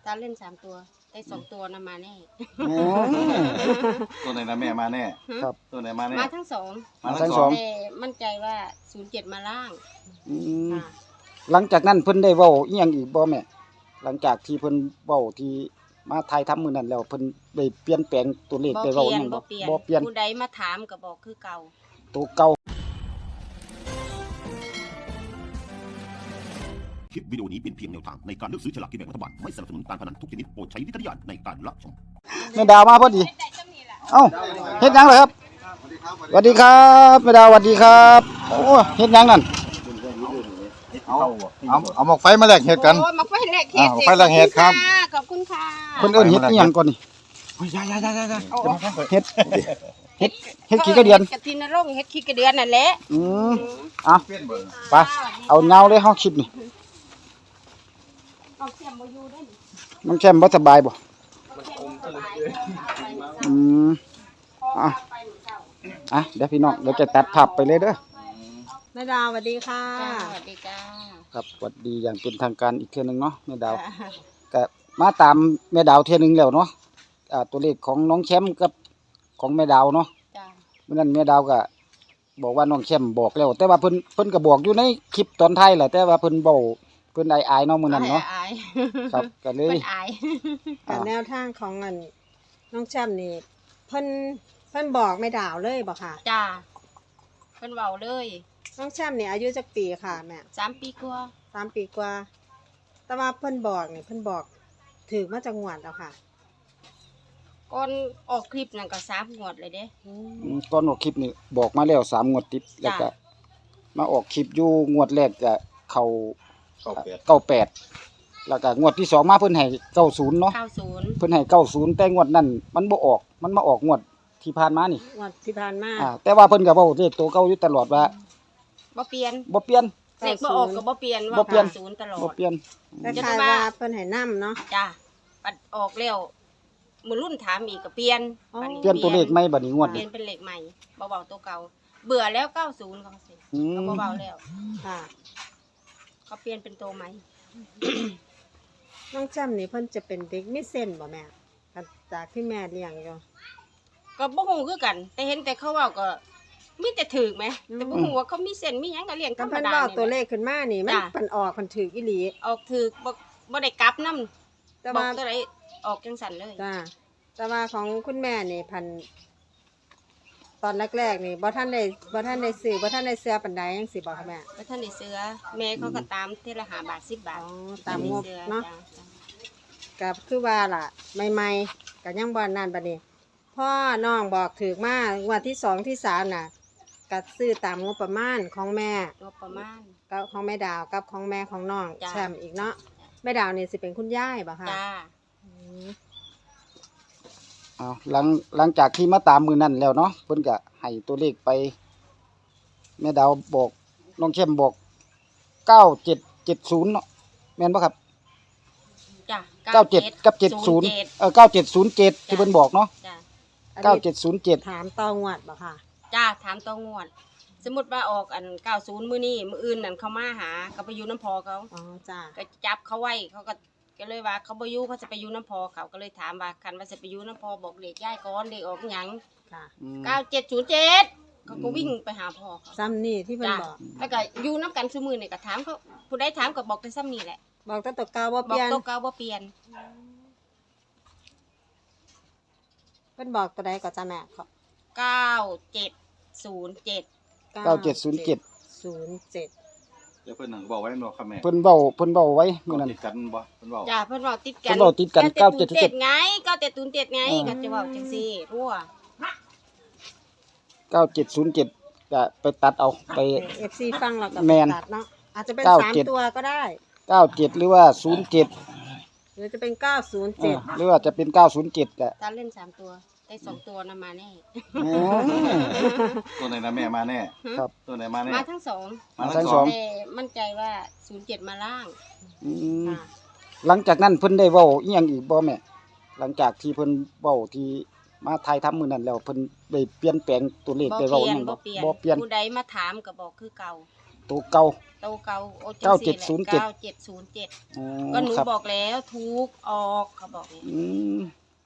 ตาเล่น3 ตัวได้2 ตัวนะมาแน่อ๋อตัวไหนนะแม่มาแน่ครับตัวไหนมาแน่มาทั้งสองมาทั้ทั้งงสสออง งแต่มั่นใจว่า07มาล่างอืมค่ะหลังจากนั้นเพิ่นได้เว้าอีหยังอีกบ่แม่หลังจากที่เพิ่นเว้าที่มาถ่ายทำมื้อนั้นแล้วเพิ่นได้เปลี่ยนแปลงตัวเลขบ่ได้เปเว้าลี่อียหนยังบ่บ่เปลี่ยนบ่เปลี่ยนผู้ใดมาถามก็บอกคือเก่าตัวเก่าคลิปวิดีโอนี้เป็นเพียงแนวทางในการเลือกซื้อฉลากกินแบ่งรัฐบาลไม่สนับสนุนการพนันทุกชนิดโปรดใช้วิจารณญาณในการรับชมแม่ดาวมาพอดีเอ้าเฮ็ดหยังเหรอครับสวัสดีครับแม่ดาวสวัสดีครับโอ้เฮ็ดหยังนั่นเอาหมกไฟมาแลกเห็ดกันโอ้มาไฟแลกเห็ดอ่าไฟแลกเห็ดครับขอบคุณค่ะเพิ่นเอิ้นเฮ็ดอีหยังก่อนนี่เฮ้ยยายโอ้เฮ็ดขี้กระเดือนกระทินนรงค์เฮ็ดขี้กระเดือนนั่นแหละอืมอ่ะไปเอาเงาเลยเฮาคลิปนี่เอาเสียมบ่อยู่ได้นี่น้องแชมป์บ่สบายบ่อืมอ่ะอ่ะเดี๋ยวพี่น้องเดี๋ยวจะตัดภาพไปเลยเด้อแม่ดาวสวัสดีค่ะจ้าสวัสดีจ้าครับสวัสดีอย่างเป็นทางการอีกเทื่อนึงเนาะแม่ดาวก็มาตามแม่ดาวเทื่อนึงแล้วเนาะตัวเลขของน้องแชมป์กับของแม่ดาวเนาะจ้าเมื่อนั้นแม่ดาวก็บอกว่าน้องแชมป์บอกแล้ว แต่ว่าเพิ่นก็บอกอยู่ในคลิปตอนท้ายแหละแต่ว่าเพิ่นเว้าเพิ่นอายๆเนาะมื้อนั้นเนาะอายครับก็เลเพิ่ยนอายแต่แนวทางของน้องแชมป์นี่เพิ่นบอกแม่ดาวเลยบอกค่ะจ้าเพิ่นเว้าเลยน้องแชมป์นี่อายุจักปีค่ะแม่ 3 ปีกว่า 3 ปีกว่า แต่ว่าเพิ่นบอกนี่เพิ่นบอกถือมาจากงวดแล้วค่ะก่อนออกคลิปนั่นก็3 งวดเลยเด้ก่อนออกคลิปนี่บอกมาแล้ว3งวดติดแล้วก็จ้ะมาออกคลิปอยู่งวดแรกก็เข้าเข้าเป็ด 98แล้วก็งวดที่สองมาเพิ่นให้90เนาะ 90 เพิ่นให้90แต่งวดนั้นมันบ่ออกมันมาออกงวดที่ผ่านมานี่งวดที่ผ่านมาแต่ว่าเพิ่นก็เว้าเลขตัวเก่าอยู่ตลอดว่าบ่เปลี่ยนบ่เปลี่ยนเลขบ่ออกก็บ่เปลี่ยนบ่ว่าเปลี่ยน 90ตลอบ่ดเปลี่ยนคล้ายๆว่าเพิ่นให้นํเนาะจ้าปัดออกแล้วมื้อรุ่นถามอีกก็เปลี่ยนอ๋อบัดนี้เปลี่ยนตัวเลขใหม่บัดนี้งวดเปลี่นี้ยนเป็นเลขใหม่บ่เว้าตัวเก่าเบื่อแล้ว90เขาสิอืก็มบ่เว้าแล้วค่ะเขาเปลี่ยนเป็นตัวใหม่น้องแชมป์นี่เพิ่นจะเป็นเด็กมีเส้นบ่แม่จากที่แม่เลี้ยงอยู่ก็บ่ฮู้คือกัน แต่เห็นแต่เขาเว้าก็มีแต่ถูกไหมแต่บ่ฮู้ว่าเขามีเส้นมีหยังก็เลี้ยงธรก็รมเพิ่นดาบอกนี่ตัวแหเลละขขึ้นมานี่มันจ้ะเพิ่นออกเพิ่นถืออีหลีออกถูกบ่ได้กลับนำแต่บอกว่าตัวใดออกจังสั่นเลยจ้าแต่ว่าของคุณแม่นี่พันตอนแรกๆนี่บ่ท่านได้ซื้อบ่ท่านได้เสื้อปานใดจังสิบ่ค่ะแม่บ่ทันได้เสือแม่เขาก็ตามเทอละ5 บาท 10 บาอ๋ทอตามงบสื้อเนาะจ้ก็คือว่าล่ะใหม่ๆก็ยังบ่นั่นบัดนี้พ่อน้องบอกถูกมางวดที่2ที่3น่ะก็ซื้อตามงบประมาณของแม่งบประมาณกับของแม่ดาวกับของแม่ของน้องจ้ะแชมป์อีกเนาะแม่ดาวนี่สิเป็นคุณยายบ่ค่ะจ้าอืมหลังจากที่มาตามมือนั้นแล้วเนาะเพิ่นก็ให้ตัวเลขไปแม่ดาวบอกน้องเข้มบอก9770เนาะแม่นบ่ครับจ้า 97กับ70 9707ที่เพิ่นบอกเนาะจ้าอันนี้ 9707 ถามต่องวดบ่ค่ะจ้าถามตัวงวด สมมุติว่าออกอัน90มื้อนี้มื้ออื่นนั่นเขามาหาเขาไปอยู่น้ำพอเขาอ๋อจ้าก็จับเขาไว้เขาก็เลยว่าเขาบ่อยู่เขาจะไปอยู่น้ำพอเขาก็เลยถามว่าคันว่าจะไปอยู่น้ำพอบอกเลขย้ายก่อนเลขออกหยังค่ะ 9707เขาก็วิ่งไปหาพ่อเขาซ้ำนี่ที่เพิ่นจ้าบอกแล้วก็อยู่น้ำกันซุมื้อนี่ก็ถามเขาผู้ใดถามก็บอกแต่ซ้ำนี่แหละบอกแต่ตัวเก่าว่าบเปอกลี่ยนตัวเก่าบ่เปลี่ยนเพิ่นบอกตัวใดก็จ้าแม่ขอ 9707 9707 07 เดี๋ยวเพิ่นนั่งบอกไว้เนาะครับแม่เพิ่นเว้าไว้มื้อนั้นติดกันบ่เพิ่นบอกจ้าเพิ่นบอกติดกันเพิ่นบอกติดกัน9707 ไง9707ไงก็จะเว้าจังซี่รั่ว 9707ก็ไปตัดเอาไป FC ฟังเราก็แม่นตัดเนาะอาจจะเป็น 97 3ตัวก็ได้ 97หรือว่า07 หรือจะเป็น 907 หรือว่าจะเป็น907ก็ตาเล่น3 ตัวได้2 ตัวนะมาแน่อ๋อตัวไหนนะแม่มาแน่ครับตัวไหนมาแน่มาทั้งสองมาทั้ทั้งงสสออง งแต่มั่นใจว่า07มาล่างอืมค่ะหลังจากนั้นเพิ่นได้เว้าอีหยังอีกบ่แม่หลังจากที่เพิ่นเว้าที่มาถ่ายทำมื้อนั้นแล้วเพิ่นได้เปลี่ยนแปลงตัวเลขบ่ได้เปเว้าลี่อียหนยังบ่บ่เปลี่ยนบ่เปลี่ยนผู้ใดมาถามก็บอกคือเก่าตัวเก่าโตเก่าโอ้ 9707 9707 อ๋อก็หนูครับบอกแล้วทุกออกเขาบอกนี่อืม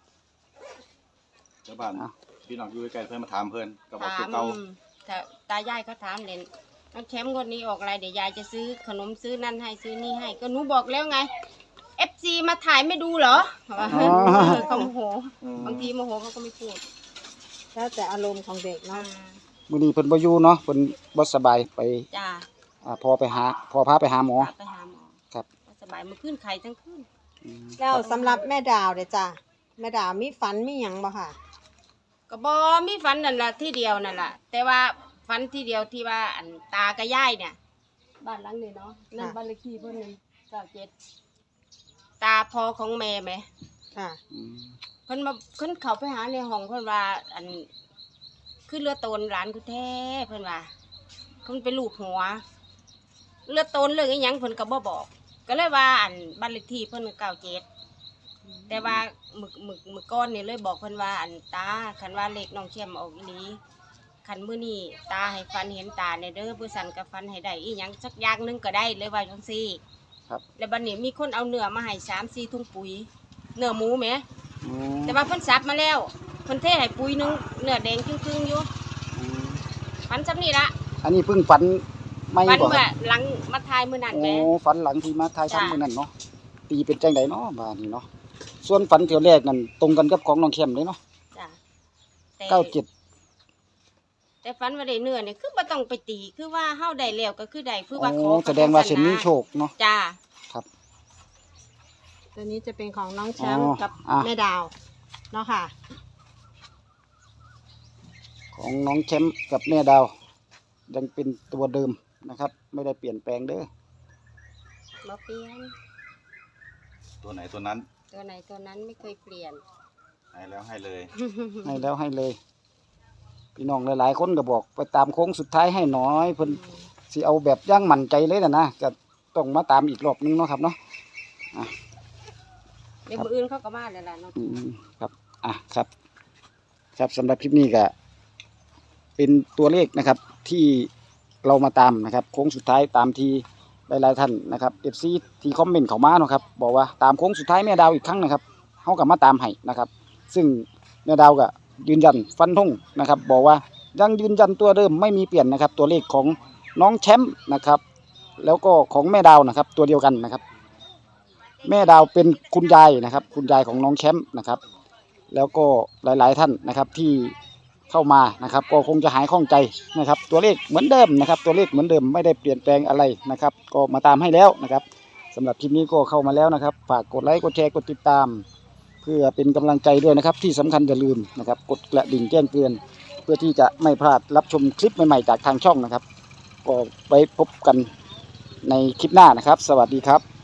ชาวบ้านอ่ะพี่น้องอยู่ใกล้ๆเพิ่นมาถามเพิ่นก็บอกถาตัวมเก่าแต่ตายายเขาถามเลยน้องแชมป์คนนี้ออกอะไรเดี๋ยวยายจะซื้อขนมซื้อนั่นให้ซื้อนี่ให้ ก็หนูบอกแล้วไง FC มาถ่ายไม่ดูเหรอเขาโมโห บางทีโมโหเขาก็ไม่พูดแล้วแต่อารมณ์ของเด็กเนาะมื้อนี้เพิ่นบ่อยู่เนาะเพิ่นบ่สบายไปจ้าพอพาไปหาหมอไปหาหมอครับสบายมาขึ้นไข่ทั้งคืนอืมแล้วสำหรับแม่ดาวเด้อจ้ะแม่ดาวมีฝันมีหยังบ่ค่ะก็บอมีฝันนั่นแหละที่เดียวนั่นแหละแต่ว่าฝันที่เดียวที่ว่าอันตากับยายเนี่ย บ้านหลังนี้เนาะนั่นบ้านเลขที่เพิ่นนี่97ตาพอของแม่ไหมค่ะอืมเพิ่นมาเพิ่นเข้าไปหาในห้องเพิ่นว่าอันขึ้นเรือโตนหลานกูแท้เพิ่นว่าเพิ่นไปลูบหัวเรือโตนเรื่องอีหยังเพิ่นก็บ่บอก ก็เลยว่าอันบ้านเลขที่เพิ่น97แต่ว่ามึกก้อนนี่เลยบอกเพิ่นว่าอันตาคันว่าเลขน้องเชี่ยมออกอีหลีคันมื้อนี้ตาให้ฟันเห็นตาในเด้อผู้สันก็ฟันให้ได้อีหยังสักอย่างหนึงก็ได้เลยว่าจังซี่ครับแล้วบัดนี้มีคนเอาเนื้อมาให้3-4ถุงปุ๋ยเนื้อหมูแหมอืมแต่ว่าเพิ่นสับมาแล้วเพิ่นเทให้ปุ๋ยหนึงเนื้อแดงครึ่งๆอยู่อืมฟันซ้ำนี่ละอันนี้เพิ่งฝันไม่ฟันบ่คเมื่อรับหลังมาทายมื้อนั้นแหมโอ้ฝันหลังที่มาทายจ้ะทำมื้อนั้นเนาะตีเป็นจังไดเนาะบ้านนี้เนาะส่วนฝันเที่ยวแรกนั่นตรงกันกับของน้องเข้มเลยเนาะจ้ะแต่ 97 แต่ฟันว่าได้เนื้อนี่คือบ่ต้องไปตีคือว่าเฮาได้แล้วก็คือได้คือว่าขโอ้อแสดงว่าเส้นมีโชคเนาะจ้าตัวนี้จะเป็นของน้องแชมป์อ๋อกับอ่ะแม่ดาวเนาะค่ะของน้องแชมป์กับแม่ดาว ยังเป็นตัวเดิมนะครับ ไม่ได้เปลี่ยนแปลงเด้อบ่เปลี่ยนตัวไหนตัวนั้นตัวไหนตัวนั้นไม่เคยเปลี่ยนให้แล้วให้เลยให้แล้วให้เลย พี่น้องหลายๆคนก็บอกไปตามโค้งสุดท้ายให้หน้อยเพิ่นสิเอาแบบย่างมั่นใจเลยนะก็ต้องมาตามอีกรอบนึงเนาะครับเนาะเดี๋ยวมื้ออื่นเขาก็มาแล้วล่ะเนาะอืมครับครับ ครับสำหรับคลิปนี้ก็เป็นตัวเลขนะครับ ที่เรามาตามนะครับ โค้งสุดท้ายตามที่หลายๆท่านนะครับ FC ที่คอมเมนต์เข้ามาเนาะครับบอกว่าตามโค้งสุดท้ายแม่ดาวอีกครั้งนะครับเฮาก็มาตามให้นะครับ ซึ่งแม่ดาวก็ยืนยันฟันธงนะครับ บอกว่ายังยืนยันตัวเดิมไม่มีเปลี่ยนนะครับ ตัวเลขของน้องแชมป์นะครับ แล้วก็ของแม่ดาวนะครับ ตัวเดียวกันนะครับ แม่ดาวเป็นคุณยายนะครับ คุณยายของน้องแชมป์นะครับ แล้วก็หลายๆท่านนะครับที่เข้ามานะครับ ก็คงจะหายข้องใจนะครับ ตัวเลขเหมือนเดิมนะครับ ตัวเลขเหมือนเดิมไม่ได้เปลี่ยนแปลงอะไรนะครับ ก็มาตามให้แล้วนะครับสำหรับคลิปนี้ก็เข้ามาแล้วนะครับฝากกดไลค์กดแชร์กดติดตาม เพื่อเป็นกำลังใจด้วยนะครับ ที่สำคัญอย่าลืมนะครับ กดกระดิ่งแจ้งเตือน เพื่อที่จะไม่พลาดรับชมคลิปใหม่ๆจากทางช่องนะครับ ก็ไว้พบกันในคลิปหน้านะครับ สวัสดีครับ